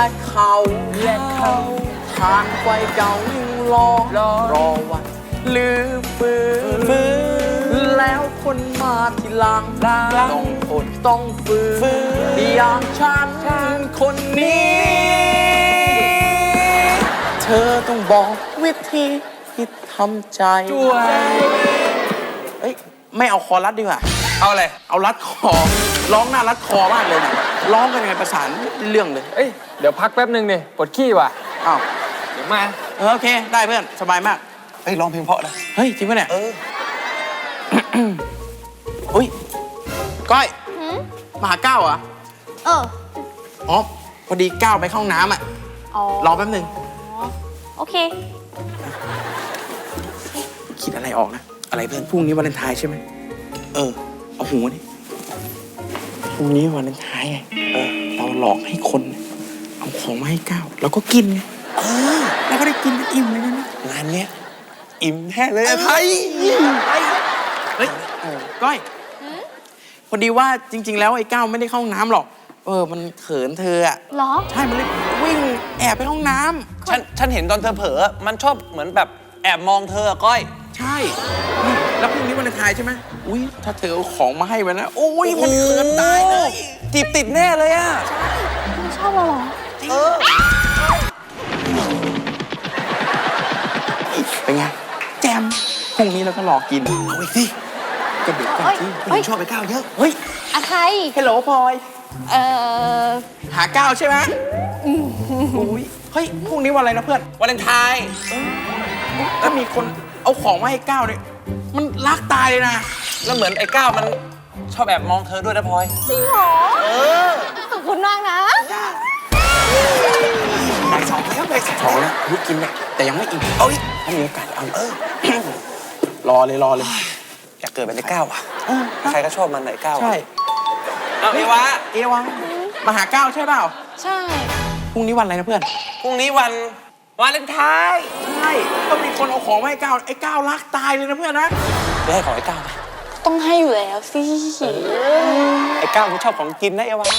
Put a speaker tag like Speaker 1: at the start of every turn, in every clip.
Speaker 1: เขาทานไฟเก่ายิ่งรอวันลืมฟื้นแล้วคนมาทีหลังต้องอดต้องฟื้นอย่างฉันคนนี้ เธอต้องบอกวิธีที่ทำใจเอ้ยไม่เอาคอรัดดีกว่าเอาอะไรเอารัดคอร้องหน้ารัดคอมากเลยนะร้องกันยังไงประสานเรื่องเลย
Speaker 2: เอ้ยเดี๋ยวพักแป๊บนึงดิปวดขี้ว่ะ
Speaker 1: อ้าว
Speaker 2: เดี๋ยวมา
Speaker 1: โอเคได้เพื่อนสบายมาก
Speaker 3: เฮ้ยร้องเพลงเพราะนะ
Speaker 1: เฮ้ยจริงปะเนี่ยอุ้ยก้อยมาหาก้าวเหรออ๋อพอดีก้าวไปเข้าห้องน้ำอ่ะรอแป๊บนึง
Speaker 4: โอเค
Speaker 1: คิดอะไรออกนะอะไรเพื่อนพรุ่งนี้วาเลนไทน์ใช่ไหมเอาหูนี่พรุ่งนี้วาเลนไทน์ไงเราหลอกให้คนเอาของมาให้ก้าวแล้วก็กินไงแล้วก็ได้กินกันอิ่มเลยนะ
Speaker 3: งานเนี้ยอิ่มแท้เลยไทย
Speaker 1: เฮ้ยก้อยพอดีว่าจริงๆแล้วไอ้ก้าวไม่ได้เข้าห้องน้ำหรอกมันเขินเธออะ
Speaker 4: หรอ
Speaker 1: ใช่มันเลยวิ่งแอบไปห้องน้
Speaker 3: ำฉันเห็นตอนเธอเผลอมันชอบเหมือนแบบแอบมองเธอก้อย
Speaker 1: ใช่นี่แล้วพรุ่งนี้วันเลนไทน์ใช่ไหมอุ้ยถ้าเธอเอาของมาให้มันนะโอ้ยมันเขินตายเลย
Speaker 3: จีบติดแน่เลยอะ
Speaker 4: ไม่ชอบเราหรอ
Speaker 1: เป็นไงแจมพรุ่งนี้เราก็รอกิน
Speaker 3: เอาอีกสิก็เด็กกันที่ผู้หญิงชอบไปก้าวเยอะ
Speaker 1: เฮ้ย
Speaker 4: อะไร
Speaker 1: ฮัลโหลพลอยหาก้าวใช่ไหมอุ้ยเฮ้ยพรุ่งนี้วันอะไรนะเพื่อน
Speaker 3: วาเลนไทน์
Speaker 1: ถ้ามีคนเอาของมาให้ก้าวเนี่ยมันรักตายเลยนะ
Speaker 3: แล้วเหมือนไอ้ก้าวมันชอบแอบมองเธอด้วยนะพลอย
Speaker 4: จริงเหรอขอบคุณมากนะ
Speaker 1: ไปสองแล้วยุกกินเนี่ยแต่ยังไม่อิ่มถ้ามีโอกาสเอารอเลย
Speaker 3: อยากเกิดเป็นไอ้ก้าวอ่ะใครก็ชอบมันไอ้ก้าว
Speaker 1: ใช่
Speaker 3: เอาเอวะ
Speaker 1: มาหาก้าวใช่เปล่า
Speaker 4: ใช่
Speaker 1: พรุ่งนี้วันอะไรนะเพื่อน
Speaker 3: พรุ่งนี้วันวาเลนไทน์
Speaker 1: ใช่ต้องมีคนเอาของมาให้ก้าวไอ้ก้าวรักตายเลยนะเพื่อนนะ
Speaker 3: ได้ให้ของไอ้ก้าวไหม
Speaker 4: ต้องให้อยู่แล้วสิ
Speaker 3: ไอ้ก้าวมันชอบของกินนะเอวะ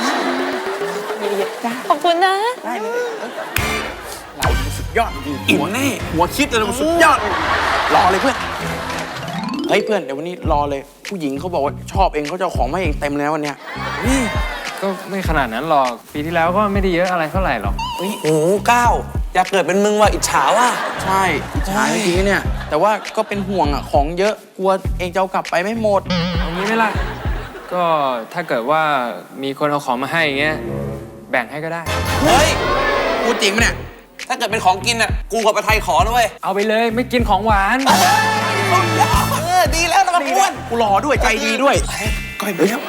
Speaker 4: ขอบคุณนะ
Speaker 1: ได้เลยเราสุดยอดจริงอิ่มแน่หัวคิดเลยมันสุดยอดรอเลยเพื่อนเฮ้ยเพื่อนเดี๋ยววันนี้รอเลยผู้หญิงเขาบอกว่าชอบเองเขาจะเอาของมาเองเต็มเลยนะวันเนี้ย
Speaker 2: นี่ก็ไม่ขนาดนั้นหรอกปีที่แล้วก็ไม่ได้เยอะอะไรเท่าไหร่หรอก
Speaker 3: โอ้โหก้าวอยากเกิดเป็นมึงว่ะอิจฉาว่ะ
Speaker 1: ใช่อิจฉาจริงๆเนี่ยแต่ว่าก็เป็นห่วงอ่ะของเยอะกลัวเองจะเอากลับไปไม่หมด
Speaker 2: เอางี้ไหมล่ะก็ถ้าเกิดว่ามีคนเอาของมาให้อย่างเงี้ยแบ่งให้ก็ได้
Speaker 1: เฮ้ยพูดจริงไหมเนี่ย
Speaker 3: ถ้าเกิดเป็นของกินอ่ะกูกับประไทยขอนะเว้ย
Speaker 2: เอาไปเลยไม่กินของหวาน
Speaker 3: ดีแล้วนะอ้วน
Speaker 1: กูรอด้วยใจดีด้วยก้อยไปแล้ว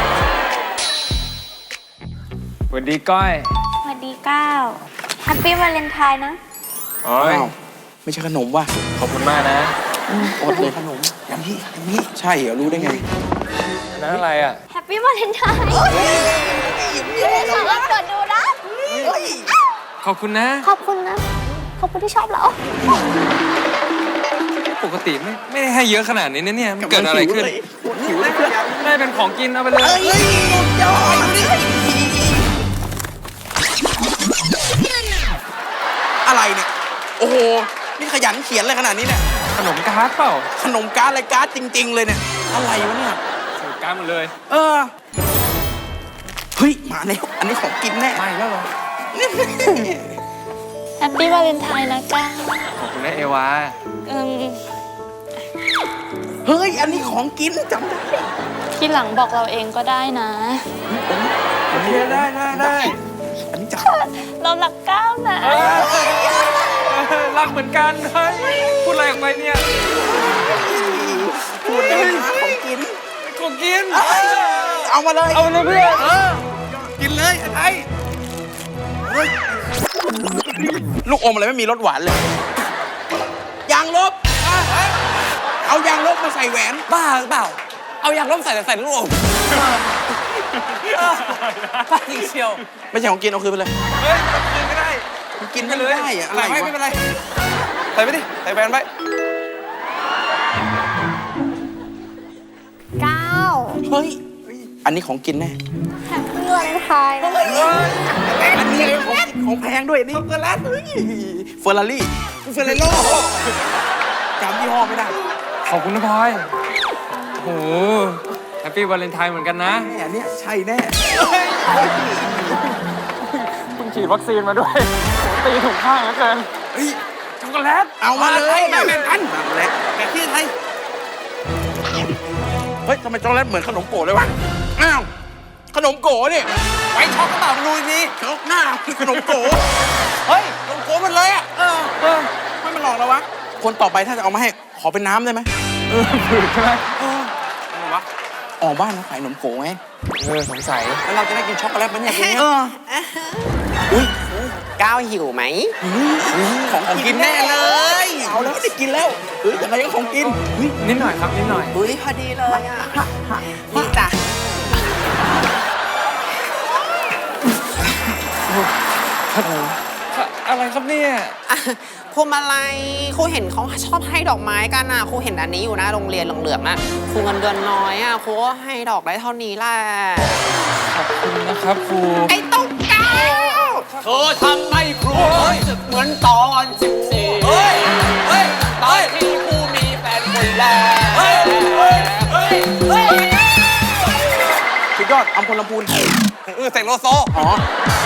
Speaker 2: สวัสดีก้อย
Speaker 4: สวัสดีก้าวแฮปปี้วาเลนไทน์นะ
Speaker 1: อ๋อไม่ใช่ขนมว่ะ
Speaker 2: ขอบคุณมากนะ
Speaker 1: อดเลยขนมอย่างนี้ใช่เหรอรู้ได้ไง
Speaker 2: นั่นอะไรอ่ะ
Speaker 4: แฮปปี้วาเลนไทน์สามารถเปิดดูนะ
Speaker 2: ขอบคุณนะ
Speaker 4: ขอบคุณนะขอบคุณที่ชอบเรา
Speaker 2: ปกติไม่ได้ให้เยอะขนาดนี้นะเนี่ยมันเกิดอะไรขึ้นได้เป็นของกินเอาไปเลย
Speaker 1: อะไรเนี่ยโอ้โหนี่ขยันเขียนอะไรขนาดนี้เนี่ย
Speaker 2: ขนมการ์ดเปล่า
Speaker 1: ขนมการ์ดอะไรการ์ดจริงๆเลยเนี่ยอะไรวะเนี่ย
Speaker 2: การ์ดหมดเลย
Speaker 1: เฮ้ยมาแล้วอันนี้ของกินแน่
Speaker 2: ไม่แล้วเหรอ
Speaker 4: แฮปปี้วาเลนไทน์นะก้า
Speaker 2: ขอบคุณนะเอวา
Speaker 1: เฮ้ยอันนี้ของกินจำได้
Speaker 4: ทีหลังบอกเราเองก็ได้นะ
Speaker 1: โอเคได้อันนี้จับ
Speaker 4: เรารักก้าวนะ
Speaker 2: รักเหมือนกันเฮ้ยพูดอะไรออกไปเนี่ย
Speaker 1: พูดเลยของกินเอามาเลย
Speaker 2: เพื่อน
Speaker 1: กินเลยไอ้ลูกอมอะไรไม่มีรสหวานเลยยางลบเอายางลบมาใส่แหวน
Speaker 3: บ้าหรือเปล่าเอายางลบใส่ลูกอมบ้าจริงเชียว
Speaker 1: ไม่ใช่ของกินเอาคืนไปเลย
Speaker 2: เฮ้ยกินไม่ได้
Speaker 1: กินไม่ได้อะอะไร
Speaker 3: ไม่เป็นไรใส่ไปดิใส่แหวนไป
Speaker 4: ก้าว
Speaker 1: เฮ้ยอันนี้ของกินแน่
Speaker 4: แฮปปี้วาเลนไทน์
Speaker 1: อันนี้ของแพงด้วยนี่ช็อกโกแลตเฟอร์รารี่เฟอร์เรโร่จำยี่ห้อไม่ได้
Speaker 2: ขอบคุณนะพลอยโอ้โหแฮปปี้วาเลนไทน์เหมือนกันนะ
Speaker 1: แน่เนี่ยใช่แน่
Speaker 2: เพิ่งฉีดวัคซีนมาด้วยตีถูกข้างเหลือเกิน
Speaker 1: เฮ้ย
Speaker 2: ช็อกโกแลต
Speaker 1: เอามาเลย
Speaker 3: แบ่งกัน
Speaker 1: นั่นแหละ
Speaker 3: แต่ที่ไทย
Speaker 1: เฮ้ยทำไมช็อกโกแลตเหมือนขนมโก๋เลยวะอ้าวขนมโก๋นี่
Speaker 3: ไว้ช็อกกระเป๋าดูนี่
Speaker 1: ช็อกหน้าขนมโก๋
Speaker 3: เฮ้ยลงโก้มันเลยอ่ะ
Speaker 1: ไม่มาหลอกเราวะคนต่อไปถ้าจะเอามาให้ขอเป็นน้ำได้ไหม
Speaker 2: ผืดใช่ไหม
Speaker 1: อะไรวะอ๋อบ้านเราขายขนมโก๋ไง
Speaker 2: สงสัย
Speaker 3: แล้วเราจะได้กินช็อกโกแลตมันเนี่ยคุณเนี่ย
Speaker 1: อุ้ย
Speaker 3: ก้าวหิวไหม
Speaker 1: ของกินแน่เลยเอาแล้วได้กินแล้วเฮ้ยยังไงก็ของกินเฮ้ย
Speaker 2: นิดหน่อยครับนิดหน่อย
Speaker 4: อุ้ยพอดีเลยอ่ะนี่จ้ะ
Speaker 2: อะไรครับเนี่ย
Speaker 5: พวงมาลัยครูเห็นเขาชอบให้ดอกไม้กันอ่ะครูเห็นอันนี้อยู่นะโรงเรียนเหลืองๆน่ะครูเงินเดือนน้อยอ่ะครูก็ให้ดอกได้เท่านี้แหละ
Speaker 2: ขอบคุณนะครับครู
Speaker 5: ไอ้ตุ๊กแก
Speaker 3: เธอทำให้ครูรู้สึกเหมือนตอน14เฮ้ย เฮ้ย ตอนที่กูมีแฟนคนแรก เฮ้ย เฮ้ย เฮ้ย เฮ้ย
Speaker 1: สุดยอดอัมพลลำพูน
Speaker 3: เสกโลโซ
Speaker 1: อ๋อ